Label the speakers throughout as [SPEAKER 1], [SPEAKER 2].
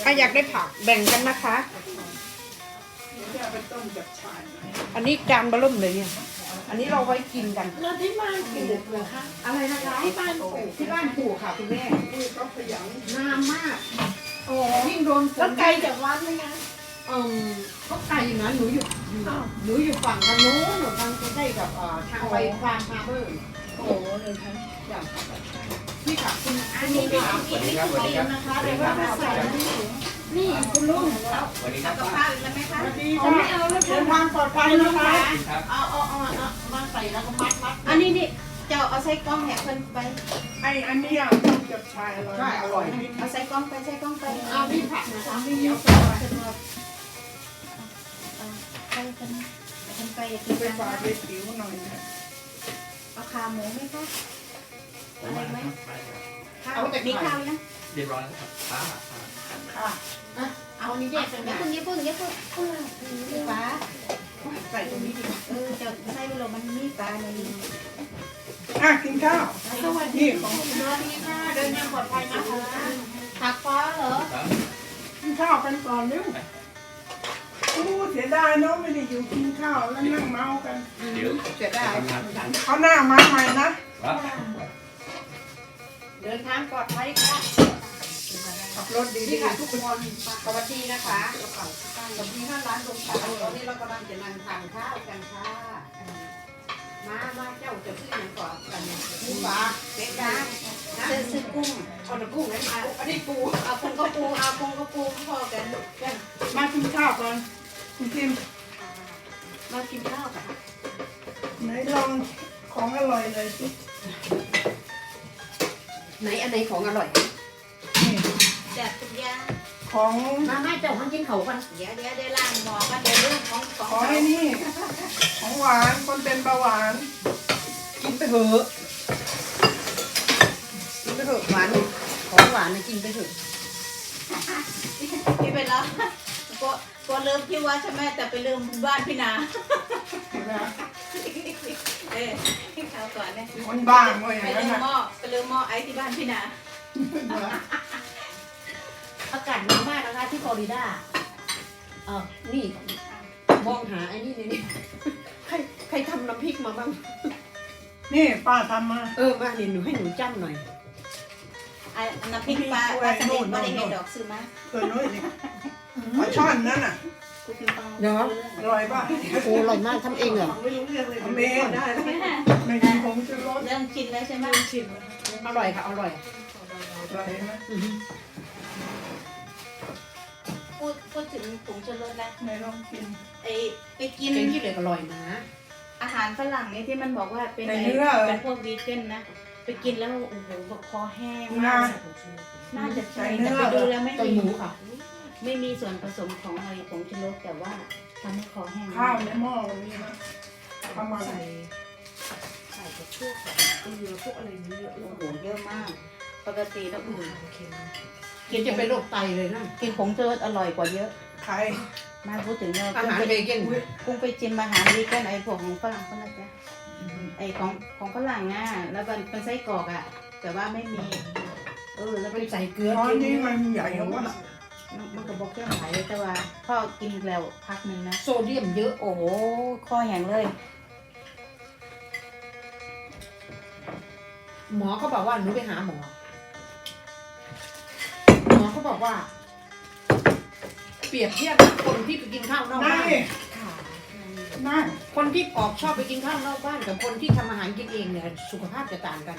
[SPEAKER 1] รอยากได้ผักแบ่งกันนะคะ อันนี้จานเบะเริ่มเลยเนี่ย อันนี้เราไว้กินกัน
[SPEAKER 2] แล้วที่บ้านปลูกเหรอคะ
[SPEAKER 1] อะไรนะคะที่บ้านปลูกที่บ้านปลูกค่ะคุณแม่งามมากโอ้ยิ่งโดนฝ
[SPEAKER 2] แล้ว
[SPEAKER 1] น
[SPEAKER 2] ไกลจากวัดไหมคะ
[SPEAKER 1] ก็ไกลอยู่นะหนูอยู่ฝั่งทางโน้นหนูทางใกล้กับทางไปฟาร์มฟาร์มเมอร์
[SPEAKER 2] โอ้เลยค่ะ
[SPEAKER 1] อย่างพี่ค่ะคุณ
[SPEAKER 2] อันนี้เป็นอีกนิดนึงนะคะเดี๋ยวว่ามาใส่นี่คุณลุง
[SPEAKER 3] สวัสดีครับ
[SPEAKER 2] กับข้าวอีกแล้วไหมคะ
[SPEAKER 1] เอาไม่เอาแล้วเดินทางปลอดภัยนะคะ
[SPEAKER 2] เอามาใส่แล้วก็มัด
[SPEAKER 4] อันนี้นี่เจ้าเอาใส่กล้องแหกเพิ่นไป
[SPEAKER 2] อันนี้อ่ะกับชายอร่อย
[SPEAKER 1] ใช่อร่อย
[SPEAKER 4] เอาใส่กล้องไปใส่กล้องไป
[SPEAKER 2] เอาพี่ผักนะคะพี่เยอะ
[SPEAKER 4] ใส่กันไปกิน
[SPEAKER 2] ไป
[SPEAKER 4] กัน
[SPEAKER 2] ฝากไปผิวหน่อยนะ
[SPEAKER 4] เอาขาหมูไหมคะอะไรไหมข้าว
[SPEAKER 1] เอาแต่
[SPEAKER 4] มี
[SPEAKER 1] ไข่
[SPEAKER 4] ข้าวนะ
[SPEAKER 3] เรียบร้อยแล้วครับ
[SPEAKER 2] ค่ะ
[SPEAKER 4] เอานี่แยกกันอย่าเพิ่งนี่ปลา
[SPEAKER 1] ใส่ตรงนี้ดีกว่า
[SPEAKER 4] เจ้าใส่ไปเลยมันมีปลาในนี้
[SPEAKER 2] กินข้าว
[SPEAKER 4] สวัสดี
[SPEAKER 2] นี่ของ
[SPEAKER 4] สวัสดีค่ะเดินทางปลอดภัยนะคะผักฟ้าเหรอ
[SPEAKER 2] กินข้าวกันก่อนเร็วโอ้เสียดายเนาะไม่ได้อยู่กินข้าวแล้วนั่งเมากัน
[SPEAKER 3] เดี๋ยว
[SPEAKER 1] จะได้
[SPEAKER 3] ทำงาน
[SPEAKER 2] เขาหน้ามาใหม่นะ
[SPEAKER 3] ครับ
[SPEAKER 1] เดินทางปลอดภัยค่ะ
[SPEAKER 2] ขับรถดี
[SPEAKER 1] นี่ค่ะทุกคนสวัสดีนะคะสวัสดีท่านร้านลงสาวตอนนี้เรากำลังจะนั่งทานข้าวกันค่ะมาเจ้าจะซื้ออย่างก่อนกันหมูปลาเป็ดย่างนะ
[SPEAKER 4] ซื้อกุ้ง
[SPEAKER 1] เอาแต่กุ้งให้มาอันนี้ปู
[SPEAKER 4] เอาคงก็ปูเอาคงก็ปูพอกัน
[SPEAKER 2] มากินข้าวก่อนคุณพิม
[SPEAKER 4] มากินข้าวกัน
[SPEAKER 2] ไหนลองของอร่อยเลยสิ
[SPEAKER 1] ไหนอันไหนของอร่อย
[SPEAKER 2] นี่
[SPEAKER 4] แจกทุกอย่าง
[SPEAKER 2] ของ
[SPEAKER 1] มาเจ้ามันกินเขากัน
[SPEAKER 4] เดี๋ยวได้ล้างหม้อกันเดี๋ยวเรื่องของ
[SPEAKER 2] ของไอ้นี่ ของหวานคนเป็นเบาหวาน
[SPEAKER 1] กินไปเถอะกินไปเถอะหวานของหวานนะกินไปเถอะ
[SPEAKER 4] พี่ไปแล้วก็เริ่มที่ว่าใช่ไหมแต่ไปลืมบ้านพี่นา
[SPEAKER 2] เห็นไหม
[SPEAKER 4] ข้าวก่อนเนี่ย
[SPEAKER 2] คนบ้างเลยอ
[SPEAKER 4] ไป
[SPEAKER 2] ย่างนั้น
[SPEAKER 4] ลืม
[SPEAKER 2] นะ
[SPEAKER 4] หม้อไปลืมหม้อไอ้ที่บ้านพี่นา
[SPEAKER 1] อากาศหนาวมากนะคะที่ฟลอริดานี่มองหาไอ้นี่นี่ใครทำน้ำพริกมาบ้าง
[SPEAKER 2] นี่ป้าทำมา
[SPEAKER 1] มานี่หนูให้หนูจ้ำหน่อย
[SPEAKER 4] น้ำพริกปลาสลิดไม่ได้เห็นดอกซื้อมา
[SPEAKER 2] เคยน้อยนี่ปลาช่อนนั่นน่ะ
[SPEAKER 1] เนาะ
[SPEAKER 2] อร่อยป่ะ
[SPEAKER 1] โอ้อร่อยมากทำเองเหรอ
[SPEAKER 2] ไม่รู้เรื่องเลยทำเองได้ไม่มีผงชูรส
[SPEAKER 4] เริ่มชินแล้วใช่ไหม
[SPEAKER 1] อร่อยค่ะอร่อย
[SPEAKER 2] อร่อยไหม
[SPEAKER 4] พูดถึงผงชูรสแล้ว
[SPEAKER 2] ไหนลองกิน
[SPEAKER 4] ไปกิน
[SPEAKER 1] เก่งที่เหลืออร่อยนะ
[SPEAKER 4] อาหารฝรั่งเนี่ยที่มันบอกว่าเป็น
[SPEAKER 2] ในเนื้อ
[SPEAKER 4] เป็นพวกวีแกนนะ ไปกินแล้วโอ้โหแบบคอแห้ง
[SPEAKER 2] งาม
[SPEAKER 4] ากน่าจะใช่แต่ไปดูแล้วไม่
[SPEAKER 1] ไก่
[SPEAKER 4] มี
[SPEAKER 1] หมูค่ะ
[SPEAKER 4] ไม่มีส่วนผสมของอะไรผงชูรสแต่ว่าทำให้คอแห้ง
[SPEAKER 2] ข้าวในหม้อมันมีนะประมาณ
[SPEAKER 4] ใส่กับพวกเกลือพวกอะไรนี้เยอะโอ้โหเยอะมาก ปกติแล้วอื่น
[SPEAKER 1] กินจะเป็นโรคไตเลยนะ
[SPEAKER 4] กินผงชูรสอร่อยกว่าเยอะ
[SPEAKER 2] ไข่
[SPEAKER 4] มาพูดถึงเรา
[SPEAKER 1] อาหารเวแกน
[SPEAKER 4] กุ้งไปจิ้มอาหารวีแกนไอ้พวกของฝรั่งก็นะจ๊ะไอ้ของฝรั่งอ่ะแล้วเป็นไส้กรอกอ่ะ แต่ว่าไม่มีแล้ว
[SPEAKER 1] ไปใส่เกลือ
[SPEAKER 2] ช้อน
[SPEAKER 1] กิน
[SPEAKER 2] นี้มันใหญ่กว่า
[SPEAKER 4] มันก็บอกเครื่องไหลแต่ว่าพ่อกินแล้วพักหนึ่งนะ
[SPEAKER 1] โซเดียมเยอะ
[SPEAKER 4] โอ้โหคอแห้งเลย
[SPEAKER 1] หมอเขาบอกว่าหนูไปหาหมอเขาบอกว่า เปรียบเทียบคนที่ไปกินข้าวนอก
[SPEAKER 2] นั่
[SPEAKER 1] บ้าง น
[SPEAKER 2] ดินั่ง
[SPEAKER 1] คนที่ออกชอบไปกินข้าวนอกบ้านกับคนที่ทำอาหารกินเองเนี่ยสุขภาพจะต่างกัน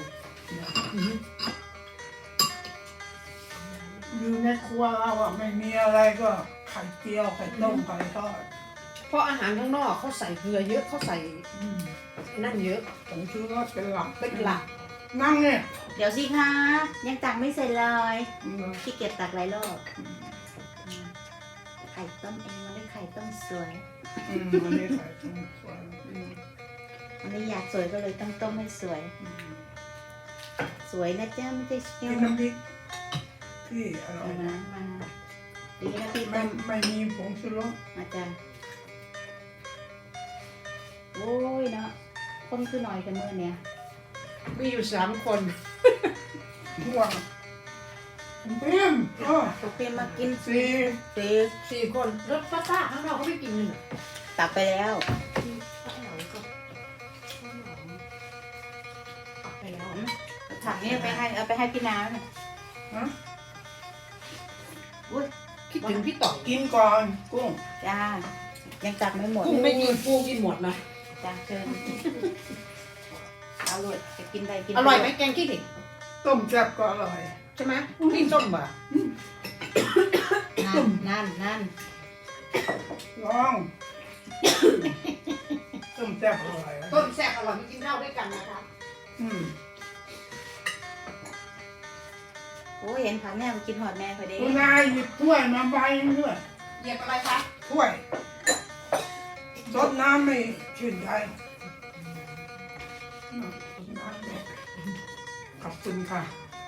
[SPEAKER 2] อยู่ในครัวเราอ่ะไม่มีอะไรก็ไข่เจียวไข่ต้มไข่ทอด
[SPEAKER 1] เพราะอาหารข้างนอกเขาใส่เกลือเยอะเขาใส่นั่นเยอะ
[SPEAKER 2] ผงชูรสเป็นหลัก
[SPEAKER 1] เป็นหลัก
[SPEAKER 2] นั่งเนี่ย
[SPEAKER 4] เดี๋ยวสิคะยังตักไม่เสร็จเลยขี้เกียจตักหลายรอบไข่ต้มเองมันได้ไข่ต้มสวย
[SPEAKER 2] วันนี้ไข่ต้มสวย
[SPEAKER 4] วันนี้อยากสวยก็เลยต้องต้มให้สวย สวยนะจ๊ะไม่ใช่เชี่
[SPEAKER 2] กิ
[SPEAKER 4] ย
[SPEAKER 2] น
[SPEAKER 4] ว
[SPEAKER 2] น้ำพริกที่อร่อย
[SPEAKER 4] มาดีนะพี่
[SPEAKER 2] ไม่
[SPEAKER 4] ต้ม
[SPEAKER 2] ไม่มีผงชูรส
[SPEAKER 4] อาจารย์โอ้ยเนาะคนคือหน่อยกันเมื่อเนี่ย
[SPEAKER 1] มีอยู่3 คน
[SPEAKER 2] ห่วงเพี้ยมโอ้
[SPEAKER 4] โอเคมากิน
[SPEAKER 2] สี่
[SPEAKER 4] เซ่
[SPEAKER 1] 4 คนรถป้าข้างนอกเขาไม่กินเลยเหรอ
[SPEAKER 4] ตักไปแล้ว
[SPEAKER 1] ไปแล้ว
[SPEAKER 4] ถังนี้เอาไปให้พี่น้ำน่ะ
[SPEAKER 2] ฮะ
[SPEAKER 1] คิดถึงพี่ต่อย
[SPEAKER 2] กินก่อนกุ้ง
[SPEAKER 4] จ้ายังตักไม่หมด
[SPEAKER 1] กุ้งไม่กินปูกินหมดนะ
[SPEAKER 4] จ้าเชิญเอาเลยจะกินได้กิน
[SPEAKER 1] อร่อยไหมแกงขี้เหล็ก
[SPEAKER 2] ต้มแซ่บก็อร่อย
[SPEAKER 1] ใช่ไหมนี่ส้มป่ะ
[SPEAKER 4] นั่น
[SPEAKER 2] ลองต้มแซ่บอร่อย
[SPEAKER 1] ต้มแซ่บอร่อยไม่กินข้าวด้วยกันนะคะ
[SPEAKER 2] อืม
[SPEAKER 4] โอ้ยเห็นผักแม่มากินหอดแม่พอดี
[SPEAKER 2] คุณนายหยิบถ้วยมาใบด้วย
[SPEAKER 1] เหยียบอะไรคะ
[SPEAKER 2] ถ้วยรดน้ำไม่ชื่นใจขอบคุณค่ะ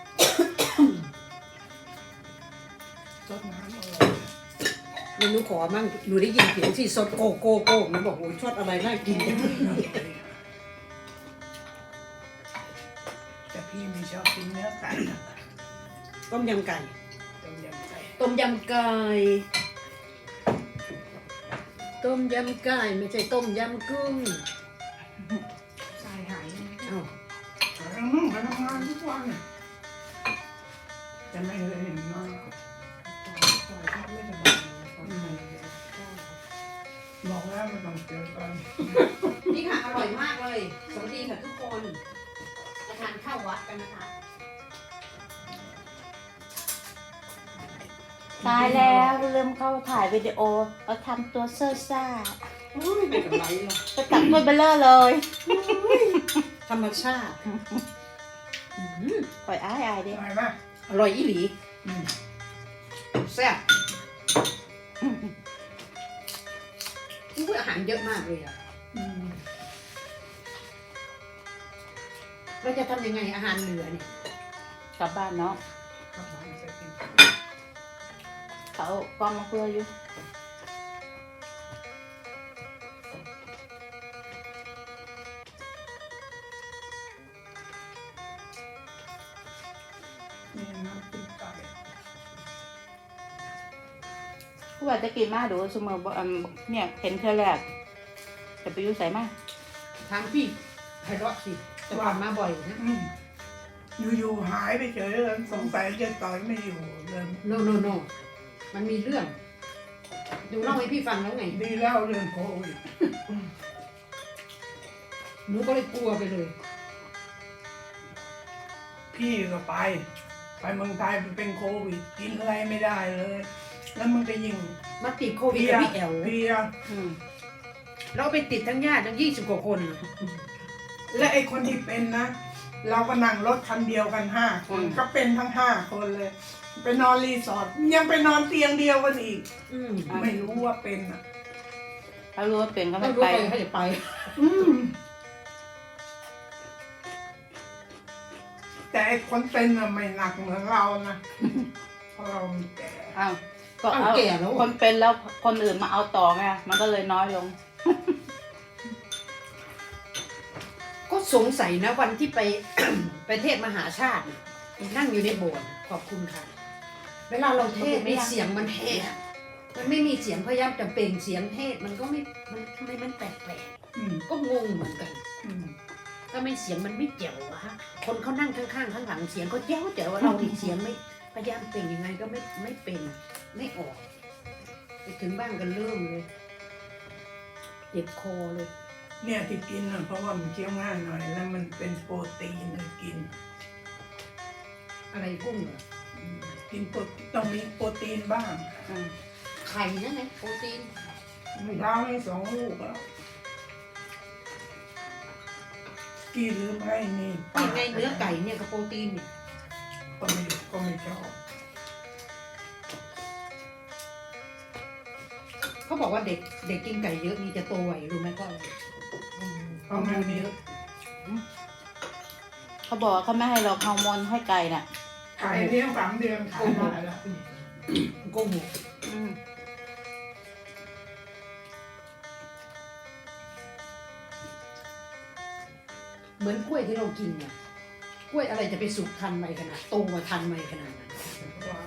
[SPEAKER 2] รดน้ำอร่อย
[SPEAKER 1] หนูขอมั่งหนูได้ยินเสียงที่สดโกโก้โก้หนูบอกโอ้ยชดอะไรน่ากิน
[SPEAKER 2] แต่พี่ไม่ชอบกินเนื้อไก่นะ
[SPEAKER 1] ต้มยำไก่
[SPEAKER 2] ต้มยำไก่
[SPEAKER 1] ต้มยำไก่ต้มยำไก่ไม่ใช่ต้มยำกุ้ง
[SPEAKER 2] ทรายหาย
[SPEAKER 1] อ้าว
[SPEAKER 2] ไปทำงานทุกวันน่ะแต่ไม่เคยเห็นน้องบอกแล้วไม่ต้องเจอกัน
[SPEAKER 1] นี่ค่ะอร่อยมากเลยสวัสดีค่ะทุกคนมาทานข้าววัดกันนะคะ
[SPEAKER 4] ตายแล้วลืมเข้าถ่ายวิดีโอเราทำตัวเซ่อซ่า
[SPEAKER 1] อุ้ยไม่เป็นไรหรอก
[SPEAKER 4] ไปตักถ้วยเบลเลอร์เลย
[SPEAKER 1] ธรรมชาติ
[SPEAKER 4] ปล่อยอายดิ
[SPEAKER 2] อร่อยมาก
[SPEAKER 1] อร่อยอีหลีแซ่บอุ้ยอาหารเยอะมากเลยอ่ะเราจะทำยังไงอาหารเหลือเนี่ย
[SPEAKER 4] กลับบ้านเนาะ
[SPEAKER 2] กลับบ้านไปกิน
[SPEAKER 4] เขากองมาเพื่ออยู่
[SPEAKER 2] นี่น้ำจิ้มไก่
[SPEAKER 4] ผู้ว่าจะกินมาดูเสมอบอกเนี่ยเห็นเธอแรกจะไปยุ่ใส่มา
[SPEAKER 1] ทางพี่ไพเราะสิจะผ่านมาบ่อยนะ
[SPEAKER 2] อยู่ๆหายไปเฉยเลยสงสัยจะต่อยไม่อยู่เลย
[SPEAKER 1] โนโนโนมันมีเรื่องดูเล่าให้พี่ฟังแล้วไง
[SPEAKER 2] ดีแล้วเรื่องโควิด
[SPEAKER 1] หนูก็เลยกลัวไปเลย
[SPEAKER 2] พี่ก็ไปเมืองไทยเป็นโควิดกินอะไรไม่ได้เลย แล้วมันก็ยิ่ง
[SPEAKER 1] มาติดโควิดกับพี่แอล
[SPEAKER 2] เพลีย
[SPEAKER 1] เราไปติดทั้งญาติทั้ง20 กว่าคน
[SPEAKER 2] และไอ้คนที่เป็นนะ เราก็นั่งรถคันเดียวกัน5 คนก็เป็นทั้ง5 คนเลย ไปนอนรีสอร์ทยังไปนอนเตียงเดียวกันอีก ไม่รู้ว่าเป็นอ่ะ
[SPEAKER 4] ถ้ารู้ว่าเป็นก็
[SPEAKER 1] ต้
[SPEAKER 4] ไม่
[SPEAKER 1] องรู้
[SPEAKER 4] ไป
[SPEAKER 1] ไปให้ไป
[SPEAKER 2] แต่ไอ้คนเป็นอ่ะไม่หนักเหมือนเรานะเพราะเรามีแต่
[SPEAKER 4] อ้าวก็
[SPEAKER 1] เอา
[SPEAKER 4] เอา
[SPEAKER 1] แก่แล้ว
[SPEAKER 4] คนเป็นแล้วคนอื่นมาเอาต่อไงมันก็เลยน้อยลง
[SPEAKER 1] ก็สงสัยนะวันที่ไป ไปเทศมหาชาตินั่งอยู่ในโบสถ์ขอบคุณค่ะ เวลาเราเทศในเสียงมันแหบมันไม่มีเสียงพยายามจะเปล่งเสียงเทศมันก็ไม่มันทำไมมันแปลกๆก็งงเหมือนกันทำไมเสียงมันไม่เจ๋ววะคนเขานั่งข้างๆข้างหลังเสียงก็แจ๋วแต่ว่าเราดิเสียงไม่พยายามเปล่งยังไงก็ไม่เป็นไม่ออกไปถึงบ้านกันเริ่มเลยเจ็บคอเลย
[SPEAKER 2] เนี่ยที่กินน่ะเพราะว่ามันเคี้ยวง่ายหน่อย แล้วมันเป็นโปรตีนเลยกิน
[SPEAKER 1] อะไรกุ้งเหรอ
[SPEAKER 2] กินโปรต้องมีโปรตีนบ้าง
[SPEAKER 1] ไข่นั่นไงโปรตีน
[SPEAKER 2] ไม่เช้าให้2 ลูกแล้วกินหรือไม่นี่
[SPEAKER 1] นี่ไงเนื้อไก่เนี่ยกับโปรตีนเนี่ย
[SPEAKER 2] ก็ไม่ชอบ
[SPEAKER 1] เขาบอกว่าเด็กกินไก่เยอะนี่จะโตไวรู้ไหมก็อะไร
[SPEAKER 2] เพราะมันมี
[SPEAKER 4] เขาบอกว่าเขาไม่ให้เราฮอร์โมนให้ไก่น่ะ
[SPEAKER 2] ขายเลี้ยง3 เดือนขายได้แล้ว
[SPEAKER 1] โกหกเหมือนกล้วยที่เรากินเนี่ยกล้วยอะไรจะไปสุกทันไหมขนาดโตมาทันไหมขนาดนั้น
[SPEAKER 2] ว่า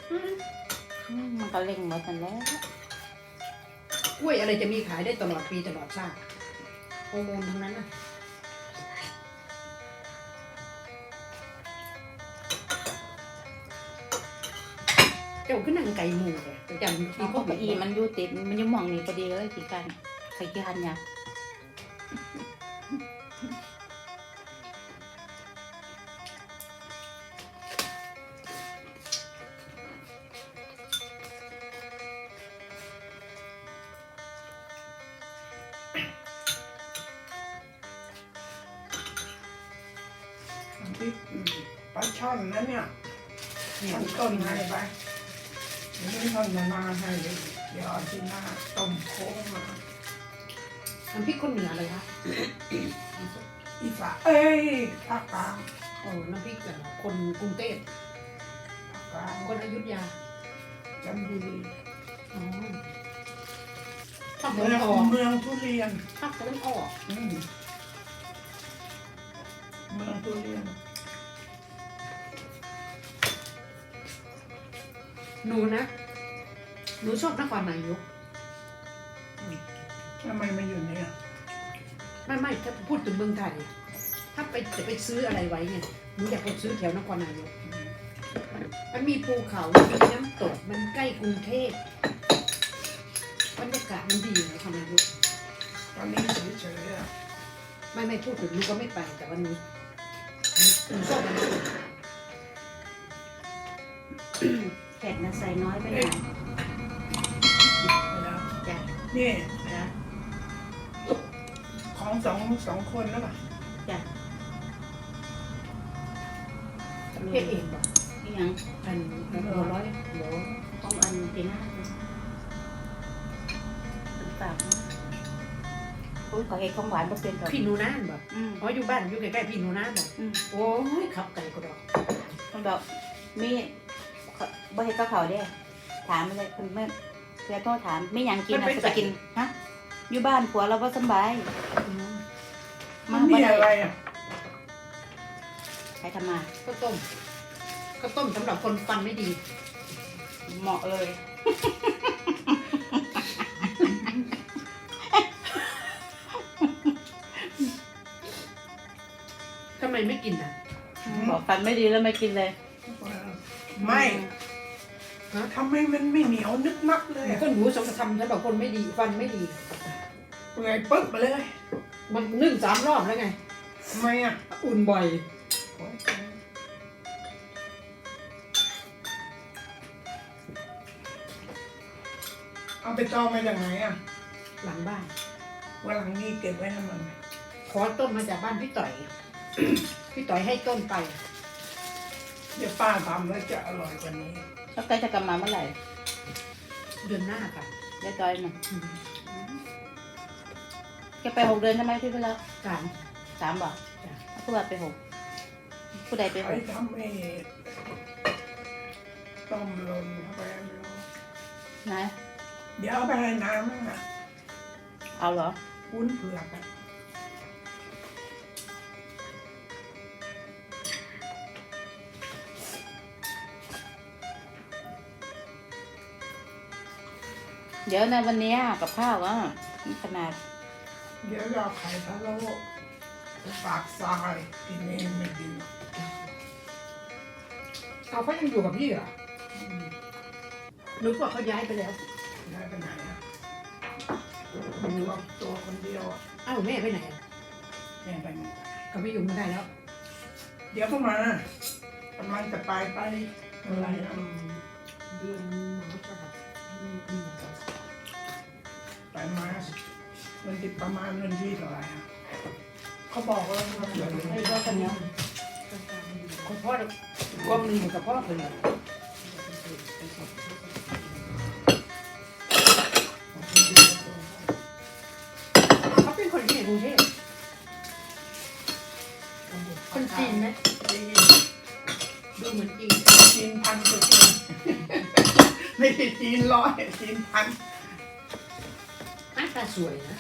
[SPEAKER 4] มันก็เล็งหมดนั่นแหละ
[SPEAKER 1] กล้วยอะไรจะมีขายได้ตลอดปีตลอดชาติฮอร์โมนทั้งนั้นนะเจ้าขึ้นนั่งไก่หมูเลยแต่จำที่
[SPEAKER 4] เอา
[SPEAKER 1] พวก
[SPEAKER 4] เก้าอี้มันอยู่ติดมันอยู่หมองนี้พอดีเลยกี่กันใครกี่คันเนี่ย
[SPEAKER 2] ที่ปลาช่อนนั้นเนี่ยช่อนต้นให้ไปเดี๋ยวนี้ท่อนจะมาให้เลยเดี๋ยวเอาที่หน้าต้มโค้งมา
[SPEAKER 1] น้ำพริกคนเหนือเลยคะ
[SPEAKER 2] อีสานเอ้ยภาคกลาง
[SPEAKER 1] โอ้น้ำพริกคนกรุงเทพ
[SPEAKER 2] ภาคกลาง
[SPEAKER 1] คนอยุธยา
[SPEAKER 2] จันทบุรี
[SPEAKER 1] อ๋อภาคตะ
[SPEAKER 2] เมื
[SPEAKER 1] วั
[SPEAKER 2] อน ง
[SPEAKER 1] ออก
[SPEAKER 2] เมืองทุเรียน
[SPEAKER 1] ภาคตะวันออก
[SPEAKER 2] เมืองทุเรียน
[SPEAKER 1] หนูนะหนูชอบนครนายก
[SPEAKER 2] ทำไมมาอยู่เนี่ย
[SPEAKER 1] ไม่ถ้าพูดถึงเมืองไทยถ้าจะไปซื้ออะไรไว้เนี่ยหนูอยากไปซื้อแถวนครนายกมันมีภูเขามีน้ำตกมันใกล้กรุงเทพบรรยากาศมันดีนครนายก
[SPEAKER 2] ตอนนี้เฉยๆอะ
[SPEAKER 1] ไม่พูดถึงหนูก็ไม่ไปแต่ว่าหนูชอบมัน
[SPEAKER 4] เผ็ดนะใส่น้อยไปหน่อย
[SPEAKER 2] แล้ว
[SPEAKER 4] จ้ะ
[SPEAKER 2] นี่
[SPEAKER 4] จ้ะ
[SPEAKER 2] ของสองคนแล้วป่ะ
[SPEAKER 4] จ้ะ
[SPEAKER 1] เฮ็ดเองบ่
[SPEAKER 4] นี่ยัง
[SPEAKER 1] อันหัวร้อยหัว
[SPEAKER 4] ต้องอันตีหน้าฝากอุ้ยขอเฮ็ดของหวานบ่เป็นหรอก
[SPEAKER 1] พี่หนูนานบ่ อ๋ออยู่บ้านอยู่ใกล้ๆพี่หนูนานบ่
[SPEAKER 4] อืม
[SPEAKER 1] โอ้ยขับไก่ก็ดอก
[SPEAKER 4] คนบอกมีบ่เฮ็ดกับเขาวเด้ถามเลยคนเมื่อเพื่อโทษถามไม่หยังกินนะจะไปกินฮะอยู่บ้านผัวเราบ่สำบาย
[SPEAKER 2] มันมีอะไรอ่ะ
[SPEAKER 4] ใครทำมา
[SPEAKER 1] ข้าวต้มสำหรับคนฟันไม่ดี
[SPEAKER 4] เหมาะเลย
[SPEAKER 1] ทำไมไม่กินอ่ะ
[SPEAKER 4] บอกฟันไม่ดีแล้วไม่กินเลย
[SPEAKER 2] ไม่ทำไมมันไม่เหนียวนึกนักเลยอะ
[SPEAKER 1] ก็หนูสมทำสำหรับคนไม่ดีฟันไม่ดี
[SPEAKER 2] เปื่อยปึ๊บไปเลย
[SPEAKER 1] มันนึ่ง3 รอบแล้วไง
[SPEAKER 2] ทำไมอ่ะ
[SPEAKER 1] อุ่นบ่อย
[SPEAKER 2] เอาไปจองมาจากไหนอ่ะ
[SPEAKER 1] หลังบ้าน
[SPEAKER 2] วันหลังนี้เก็บไว้ทำไม
[SPEAKER 1] ขอต้นมาจากบ้านพี่ต่อย พี่ต่อยให้ต้นไป
[SPEAKER 2] เดี๋ยวป้าทำแล้วจะอร่อยกว่านี้
[SPEAKER 4] แล้วใกล้จะกลับมาเมื่อไหร่
[SPEAKER 1] เดือนหน้าค่ะ
[SPEAKER 4] ยายจอยน่ะแกไป6 เดือนใช่ไหมพี่ไปแล้ว
[SPEAKER 1] การ
[SPEAKER 4] 3บอก
[SPEAKER 1] จ้ะ
[SPEAKER 4] ผู้ว่าไป6ผู้ใดไป
[SPEAKER 2] ใครทำให้ต้มลนเข้าไปไม่รู้
[SPEAKER 4] 6นะ
[SPEAKER 2] เดี๋ยวเอาไปให้น้ำอ่ะ
[SPEAKER 4] เอาเหรอ
[SPEAKER 2] วุ้นเผือกอ่ะ
[SPEAKER 4] เดี๋ยวในวันนี้กับข้าวอ่ะขนาด
[SPEAKER 2] เดี๋ยวเราไข่ทะโลปากทรายกินเองไม่ดี
[SPEAKER 1] เอาเขายังอยู่กับพี่เหรอนึกว่าเขาย้ายไปแล้ว
[SPEAKER 2] ได้ไปไหนอ่ะตัวคนเดียวอ่ะ
[SPEAKER 1] อ้าวแม่ไปไหนอะ
[SPEAKER 2] แม่ไปไหน
[SPEAKER 1] ก็ไม่อยู่ไม่ได้แล้ว
[SPEAKER 2] เดี๋ยวก็มากำลังจะไปอะไรนะ
[SPEAKER 1] เดือนมกราคม
[SPEAKER 2] ไปมามันติดประมาณเงินที่เท่าไหร่อ่ะเขาบอกว่ามันเดือน
[SPEAKER 4] ไอ้ก็คนเนี้ย
[SPEAKER 1] คุณพ่อก็มีอยู่กับพ่อคนเดียวเขาเป็นคนที่ไหนกรุงเทพคนจีนไหม
[SPEAKER 2] จีน
[SPEAKER 1] ดูเหมือนจีน
[SPEAKER 2] จีนพันกว่าจีนไม่ใช่จีนร้อยจีนพัน
[SPEAKER 1] หน้าตาสวยนะ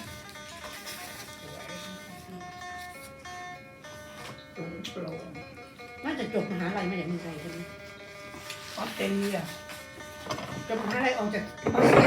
[SPEAKER 2] สูงโปร่ง
[SPEAKER 1] น่าจะจบมหาลัยมาจากเมืองไทยใช่ไหม
[SPEAKER 2] ออสเตรเลีย
[SPEAKER 1] อจะมาอะไรออกจาก
[SPEAKER 4] เอาสิ